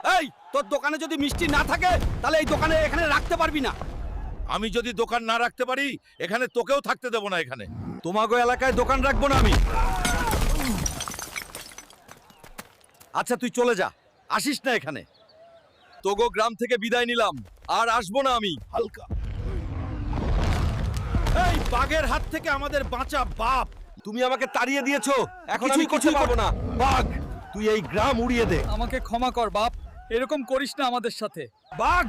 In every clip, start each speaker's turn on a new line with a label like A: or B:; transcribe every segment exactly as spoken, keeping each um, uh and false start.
A: এই তোর দোকানে যদি মিষ্টি না থাকে তাহলে এই দোকানে এখানে রাখতে পারবি না।
B: আমি যদি দোকান না রাখতে পারি এখানে তোকেও থাকতে দেব না। এখানে
A: তোমাগো এলাকায় দোকান রাখবো না আমি। আচ্ছা তুই চলে যা, আসিস না এখানে। তোগো গ্রাম থেকে বিদায় নিলাম, আর আসবো না আমি।
B: হালকা এই বাঘের হাত থেকে আমাদের বাঁচা বাপ।
A: তুমি আমাকে তাড়িয়ে দিয়েছো, এখন আমি
B: কিছুই
A: করতে
B: করতে
A: পারবো না। বাঘ, তুই এই গ্রাম উড়িয়ে দে।
C: আমাকে ক্ষমা কর বাপ, এরকম করিস না আমাদের সাথে।
A: বাঘ,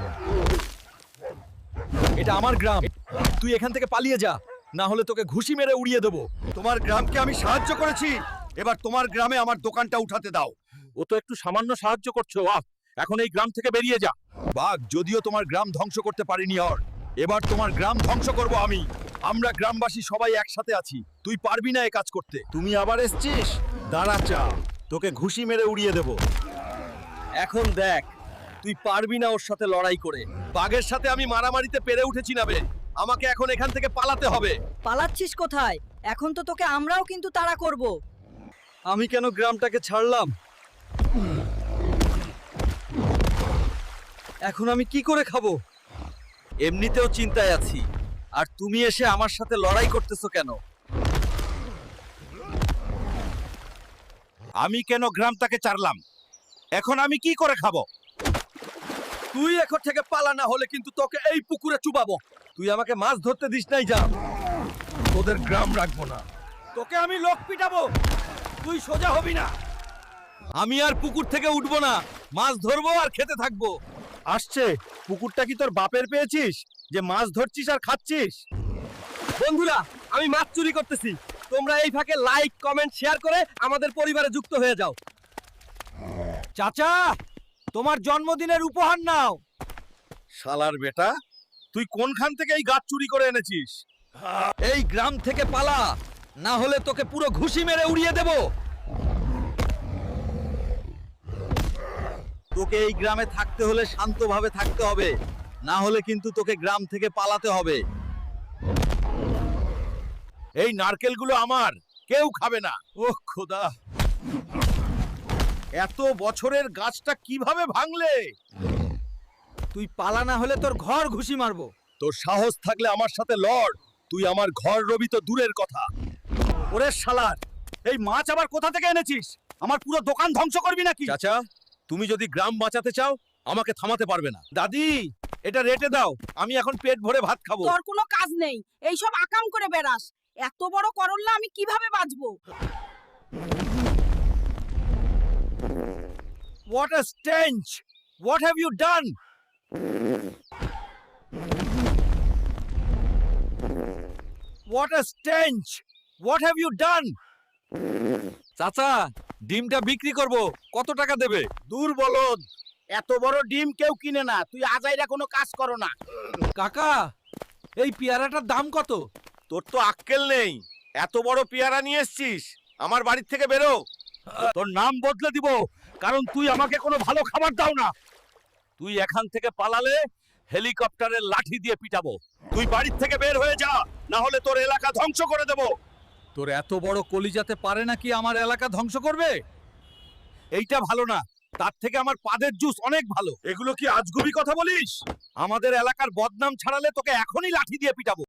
A: এটা আমার গ্রাম, তুই এখান থেকে পালিয়ে যা, না হলে তোকে ঘুষি মেরে উড়িয়ে দেবো। তোমার গ্রামকে আমি সাহায্য করেছি, এবার তোমার গ্রামে আমার দোকানটা উঠাতে দাও।
B: ও তো একটু সামান্য সাহায্য করছো। আহ, এখন এই গ্রাম থেকে বেরিয়ে যা।
A: বাঘ, যদিও তোমার গ্রাম ধ্বংস করতে পারিনি, আর এবার তোমার গ্রাম ধ্বংস করব আমি। আমরা গ্রামবাসী সবাই একসাথে আছি, তুই পারবি না এ কাজ করতে।
B: তুমি আবার এসছিস?
A: দাঁড়া চা, তোকে ঘুষি মেরে উড়িয়ে দেব। এখন দেখ তুই পারবি না ওর সাথে লড়াই করে। বাঘের সাথে আমি মারামারিতে পেরে উঠেছি না বে, আমাকে এখন এখান থেকে পালাতে হবে।
D: পালাচ্ছিস কোথায়? এখন তো তোকে আমরাও কিন্তু তাড়া করব।
A: আমি কেন গ্রামটাকে ছাড়লাম? এখন আমি কি করে খাবো? এমনিতেও চিন্তায় আছি, আর তুমি এসে আমার সাথে লড়াই করতেছো কেন?
B: আমি কেন গ্রামটাকে ছাড়লাম? এখন আমি কি করে খাবো?
A: তুই এখন থেকে পালা, না হলে কিন্তু তোকে এই পুকুরে চুবাবো। তুই আমাকে মাছ ধরতে দিস নাই, যা।
B: তোদের গ্রাম রাখবো না।
A: তোকে আমি লোক পিটাবো, তুই সোজা হবি না। আমি আর পুকুর থেকে উঠবো না, মাছ ধরবো আর খেতে থাকবো।
B: আসছে, পুকুরটা কি তোর বাপের পেয়েছিস যে মাছ ধরছিস আর খাচ্ছিস?
A: বন্ধুরা, আমি মাছ চুরি করতেছি, তোমরা এই ফাঁকে লাইক কমেন্ট শেয়ার করে আমাদের পরিবারে যুক্ত হয়ে যাও। চাচা, তোমার জন্মদিনের উপহার নাও।
B: শালার বেটা, তুই কোনখান থেকে এই গাছ চুরি করে এনেছিস?
A: এই গ্রাম থেকে পালা, না হলে তোকে পুরো ঘুষি মেরে উড়িয়ে দেব। তোকে এই গ্রামে থাকতে হলে শান্তভাবে থাকতে হবে, না হলে কিন্তু তোকে গ্রাম থেকে পালাতে হবে।
B: এই নারকেলগুলো আমার, কেউ খাবে না।
A: ওহ খোদা,
B: এত বছরের গাছটা কিভাবে ভাঙলে?
A: তুই পালা, না হলে তোর ঘর ঘুষি মারবো। তোর সাহস থাকলে আমার সাথে লড়, তুই আমার ঘর রবি তো দূরের কথা। ওরে শালার, এই মাছ আবার কোথা থেকে এনেছিস? আমার পুরো দোকান ধ্বংস করবি নাকি? চাচা, তুমি যদি গ্রাম বাঁচাতে চাও আমাকে থামাতে পারবে না। দাদি, এটা রেটে দাও, আমি এখন পেট ভরে ভাত খাবো।
D: তোর কোনো কাজ নেই, এইসব আকাম করে বেড়াস। এত বড় করল্লা আমি কিভাবে বাঁচবো?
A: What a stench! What have you done? What a stench! What have you done? চাচা, ডিমটা বিক্রি করব, কত টাকা দেবে?
B: দূর বলদ, এত বড় ডিম কেউ কিনে না। তুই আজাইরা কোনো কাজ করো না।
A: কাকা, এই পেয়ারাটার দাম কত?
B: তোর তো আক্কেল নেই, এত বড় পেয়ারা নিয়ে এসছিস। আমার বাড়ির থেকে বেরো।
A: তোর নাম বদলে দিব, কারণ তুই আমাকে কোনো ভালো খাবার দাও না। তুই এখান থেকে পালালে হেলিকপ্টারের লাঠি দিয়ে পিটাবো।
B: তুই বাড়ির থেকে বের হয়ে যা, না হলে তোর এলাকা ধ্বংস করে দেব।
A: তোর এত বড় কলিজাতে পারে নাকি আমার এলাকা ধ্বংস করবে? এইটা ভালো না, তার থেকে আমার পাদের জুস অনেক ভালো।
B: এগুলো কি আজগুবি কথা বলিস?
A: আমাদের এলাকার বদনাম ছাড়ালে তোকে এখনই লাঠি দিয়ে পিটাবো।